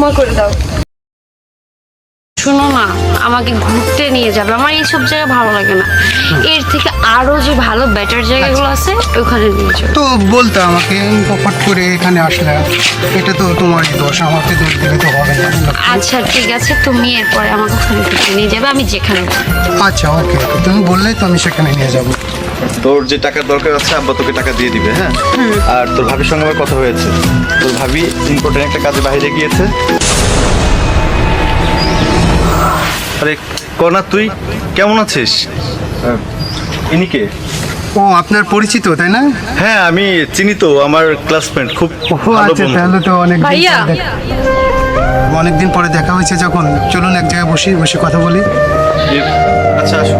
ক্ষমা করে দাও। শোনো না, আমাকে ঘুরতে নিয়ে যাবে। আমার এইসব জায়গা ভালো লাগে না। এর থেকে আরো যে ভালো বেটার জায়গাগুলো আছে ওখানে নিয়ে যাবে। তো বলতে আমাকে ফট করে এখানে আসলে, এটা তো তোমারই দোষ, আমাকে দোষ দিলে তো হবে না। আচ্ছা ঠিক আছে, তুমি এরপরে আমাকে ওখানে ঘুরতে নিয়ে যাবে, আমি যেখানে বলবো। আচ্ছা ওকে, তুমি বললেই তো আমি সেখানে নিয়ে যাবো। তোর যে টাকার দরকার আছে আব্বা তোকে টাকা দিয়ে দিবে, হ্যাঁ? আর তোর ভাবির সঙ্গে আমার কথা হয়েছে, তোর ভাবি ইম্পর্টেন্ট একটা কাজে বাইরে গিয়েছে। আরে কনা, তুই কেমন আছিস? ইনি কে? ও আপনার পরিচিত তাই না? হ্যাঁ আমি চিনি তো, আমার ক্লাসমেট, খুব ও ভালো আচ্ছা, বন্ধু। তাহলে তো ভাইয়া অনেকদিন পরে দেখা হয়েছে যখন, চলুন এক জায়গায় বসে কথা বলি। আচ্ছা আসো।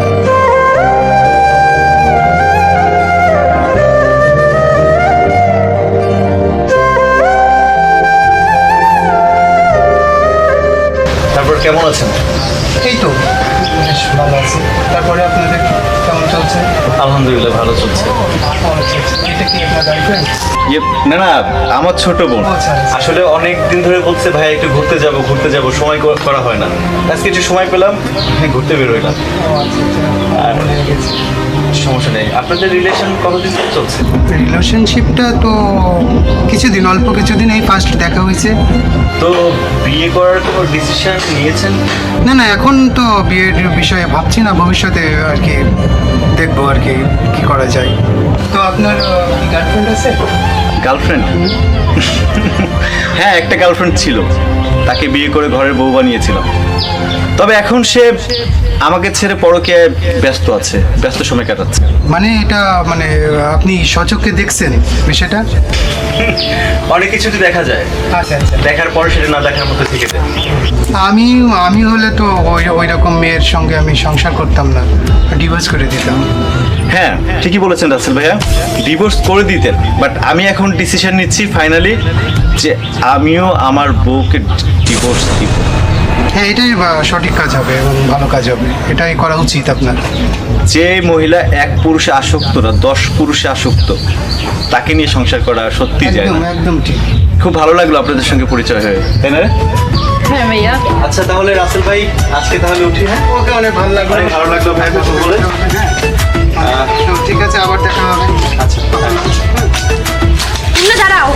তারপর কেমন আছেন? এই তো বেশ ভালো আছে। তারপরে আপনাদের কেমন চলছে? আলহামদুলিল্লাহ ভালো চলছে। এটা কি আপনার গার্লফ্রেন্ড? না না, আমার ছোট বোন। আচ্ছা, আচ্ছা। আসলে অনেক দিন ধরে বলছে ভাই একটু ঘুরতে যাব, সময় করা হয় না। আজকে একটু সময় পেলাম, ঘুরতে বের হইলাম। আর সমস্যা নেই। আপনাদের রিলেশন কতদিন ধরে চলছে? রিলেশনশিপটা তো অল্প কিছুদিন, এই ফার্স্ট দেখা হয়েছে। তো বিয়ে করার কোনো ডিসিশন নিয়েছেন? না এখন তো বিয়ের বিষয়ে ভাবছি না, ভবিষ্যতে আর কি দেখবো আর কি কি করা যায়। তো আপনার গার্লফ্রেন্ড আছে? গার্লফ্রেন্ড? হ্যাঁ একটা গার্লফ্রেন্ড ছিল, তাকে বিয়ে করে ঘরের বউ বানিয়েছিলাম। তবে এখন সে আমাকে ছেড়ে পরকীয়ায় ব্যস্ত আছে, ব্যস্ত সময় কাটাচ্ছে। মানে এটা মানে আপনি সচক্ষে দেখছেন বিষয়টা? অনেক কিছুতে দেখা যায়, আচ্ছা আচ্ছা। দেখার পরে সেটা না দেখার মতো থেকে যায়। আমি হলে তো ওই রকম মেয়ের সঙ্গে আমি সংসার করতাম না, ডিভোর্স করে দিতাম। হ্যাঁ ঠিকই বলেছেন রাসেল ভাইয়া, ডিভোর্স করে দিতেন। বাট আমি এখন ডিসিশন নিচ্ছি ফাইনালি যে আমিও আমার বউকে ডিভোর্স দিব। হ্যাঁ এটাই সঠিক কাজ হবে এবং ভালো কাজ হবে, এটাই করা উচিত আপনার। যে মহিলা এক পুরুষে আসক্ত না, 10 পুরুষে আসক্ত, তাকে নিয়ে সংসার করা সত্যি যায় একদম না। একদম ঠিক। খুব ভালো লাগলো আপনাদের সঙ্গে পরিচয় হয়ে, তাই না? হ্যাঁ ভাইয়া। আচ্ছা তাহলে রাসেল ভাই আজকে তাহলে উঠি। হ্যাঁ ওকে, অনেক ভালো লাগলো। অনেক ভালো লাগলো ভাই কথা বলে। তো ঠিক আছে, আবার দেখা হবে। আচ্ছা মুন্না দাঁড়াও।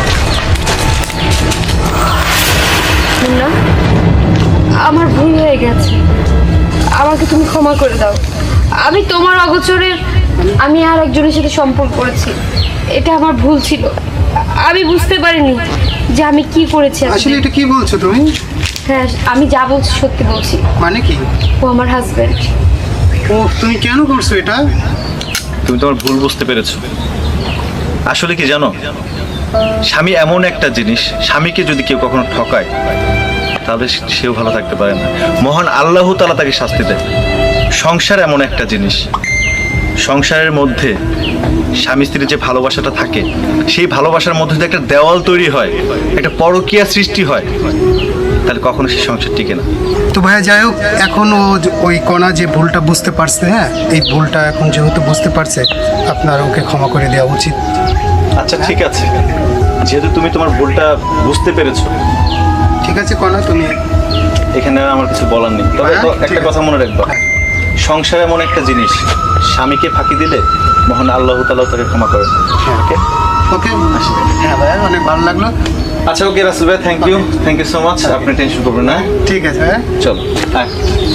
মুন্না, আমার ভুল হয়ে গেছে, আমাকে তুমি ক্ষমা করে দাও। আমি তোমার অগোচরে আমি আর একজনের সাথে সম্পর্ক করেছি, এটা আমার ভুল ছিল। আমি বুঝতে পারিনি যে আমি কি করেছি। আসলে এটা কি বলছো তুমি? হ্যাঁ, আমি যা বলছি সত্যি বলছি। মানে কি? ও আমার হাজবেন্ড। ও তুমি কেন করছো এটা? তুমি তোমার ভুল বুঝতে পেরেছো। আসলে কি জানো, স্বামী এমন একটা জিনিস, স্বামীকে যদি কেউ কখনো ঠকায় তাহলে সেও ভালো থাকতে পারে না। মহান আল্লাহ তাআলা তাকে শাস্তি দেয়। সংসার এমন একটা জিনিস, সংসারের মধ্যে স্বামী স্ত্রীর যে ভালোবাসাটা থাকে, সেই ভালোবাসার মধ্যে যদি একটা দেওয়াল তৈরি হয়, একটা পরকীয়া সৃষ্টি হয়, তাহলে কখনো সেই সংসার টিকে না। তো ভাইয়া যাই হোক, এখন ওই কণা যে ভুলটা বুঝতে পারছে, হ্যাঁ এই ভুলটা এখন যেহেতু বুঝতে পারছে, আপনার ওকে ক্ষমা করে দেওয়া উচিত। আচ্ছা ঠিক আছে, যেহেতু তুমি তোমার ভুলটা বুঝতে পেরেছো, ঠিক আছে কণা, তুমি এখানে আর আমার কিছু বলার নেই। তবে হ্যাঁ, তো ঠিক একটা আছে। কথা মনে রাখবা, হ্যাঁ। সংসার এমন একটা জিনিস, স্বামীকে ফাঁকি দিলে মহান আল্লাহ তাআলা তাকে ক্ষমা করে। ওকে ওকে, হ্যাঁ ভাইয়া অনেক ভালো লাগলো। আচ্ছা ওকে রাসেল ভাই, থ্যাংক ইউ সো মাচ। আপনি টেনশন করবেন না। ঠিক আছে ভাইয়া। চলো হ্যাঁ।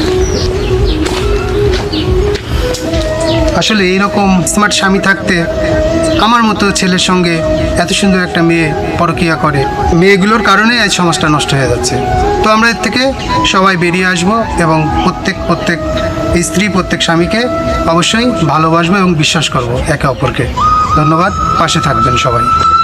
আসলে এইরকম স্মার্ট স্বামী থাকতে আমার মতো ছেলের সঙ্গে এত সুন্দর একটা মেয়ে পরকীয়া করে, মেয়েগুলোর কারণে এই সমাজটা নষ্ট হয়ে যাচ্ছে। তো আমরা এর থেকে সবাই বেরিয়ে আসব এবং প্রত্যেক স্ত্রী প্রত্যেক স্বামীকে অবশ্যই ভালোবাসবো এবং বিশ্বাস করব একে অপরকে। ধন্যবাদ, পাশে থাকবেন সবাই।